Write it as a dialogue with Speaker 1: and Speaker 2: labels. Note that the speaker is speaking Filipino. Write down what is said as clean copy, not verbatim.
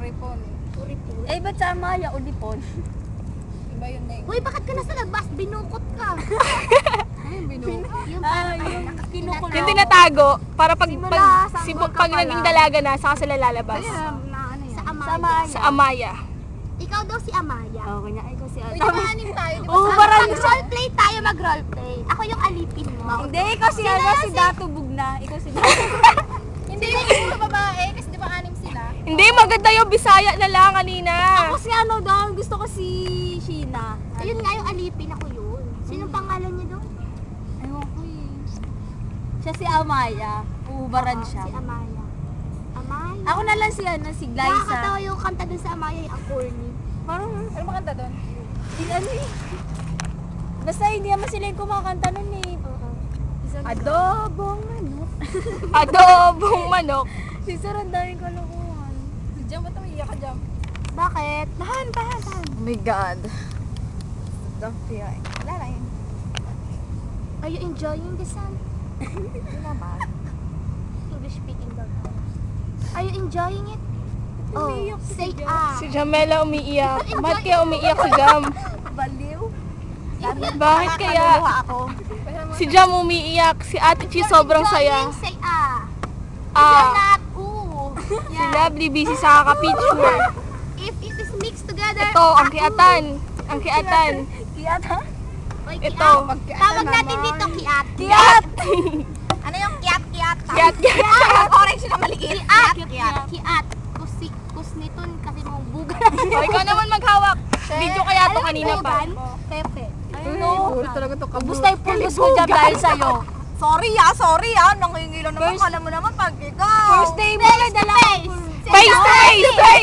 Speaker 1: Uripon.
Speaker 2: Uripon.
Speaker 3: Eh, ba't sa Amaya, Ulipon?
Speaker 1: Iba yun na
Speaker 2: Uy, bakit ka nasa labas? Binukot ka.
Speaker 1: Yung binuka.
Speaker 2: Yung parang
Speaker 3: yung kinukulong.
Speaker 4: Yung tinatago, para pag,
Speaker 2: Simula,
Speaker 4: pag naging dalaga na, saka sila lalabas.
Speaker 2: Sa
Speaker 3: Sa
Speaker 2: Amaya.
Speaker 3: Amaya.
Speaker 4: Sa Amaya.
Speaker 2: Ikaw daw si Amaya.
Speaker 3: Oo, kanya. Ay, ko si
Speaker 1: Uy, di ba anim tayo? Di ba
Speaker 3: Oo,
Speaker 1: sa-
Speaker 3: parang-
Speaker 2: Mag-roleplay tayo, mag-roleplay. Ako yung alipin mo.
Speaker 3: Hindi, ikaw si si Dato Bugna. Ikaw si Dato.
Speaker 1: Hindi yung isa babae, kasi di ba anim sila?
Speaker 4: Hindi, maganda yung Bisaya na lang kanina.
Speaker 3: Ako si ano daw, gusto ko si Sheena.
Speaker 2: Ayun nga yung alipin, ako yun. Sinong pangalan niya doon?
Speaker 3: Ewan ko eh. Siya si Amaya. Uubaran siya.
Speaker 2: Si Amaya. Amaya.
Speaker 3: Ako na lang si ano, si
Speaker 2: Nakakatawa
Speaker 3: Glyza.
Speaker 2: yung kanta dun sa Amaya, yung ang corny.
Speaker 3: Parang,
Speaker 1: Ano makanta doon?
Speaker 3: si ano eh. Basta hindi naman sila yung kumakanta nun eh. Adobong ano.
Speaker 4: Adobong manok.
Speaker 3: Si Sir, ang daming kalokohan.
Speaker 1: Si Jam, ba't umiiyak ka, Jam?
Speaker 2: Bakit?
Speaker 3: Tahan.
Speaker 1: Oh my God. Don't fear. Wala lang yun.
Speaker 2: Are you enjoying the sun?
Speaker 1: Hindi naman.
Speaker 2: English speaking daw. Are you enjoying it? Oh, say ah.
Speaker 4: Si Jamela umiiyak. Ba't kaya umiiyak si Jam?
Speaker 3: Baliw.
Speaker 4: Bakit kaya?
Speaker 3: Ako.
Speaker 4: Si Jam umiiyak. Si Ate Chi sobrang saya.
Speaker 2: Say ah.
Speaker 4: Ah,
Speaker 2: Not ooh.
Speaker 4: si Lovely busy sa kaka-picture.
Speaker 2: If it is mixed together.
Speaker 4: Ito, ang kiatan. Ang kiatan.
Speaker 3: Kiyat ha?
Speaker 2: Oy,
Speaker 4: Ito.
Speaker 2: kiat. Tawag natin dito kiat.
Speaker 4: Kiat!
Speaker 1: Ano yung kiat-kiat?
Speaker 4: Kiat, kiat.
Speaker 1: Orange na maliit.
Speaker 2: Kiat. Kiat. Kusniton kasi mong buga.
Speaker 4: O, ikaw naman maghawak. Video kaya to kanina pa.
Speaker 3: Pepe. Ayun
Speaker 1: Puro talaga to
Speaker 3: Ubus na yung pulbos mo dyan dahil sa'yo.
Speaker 1: Sorry ah. Nangingilaw naman. Kala mo naman pag ikaw.
Speaker 3: First day mo na dala ko.
Speaker 4: Face to face!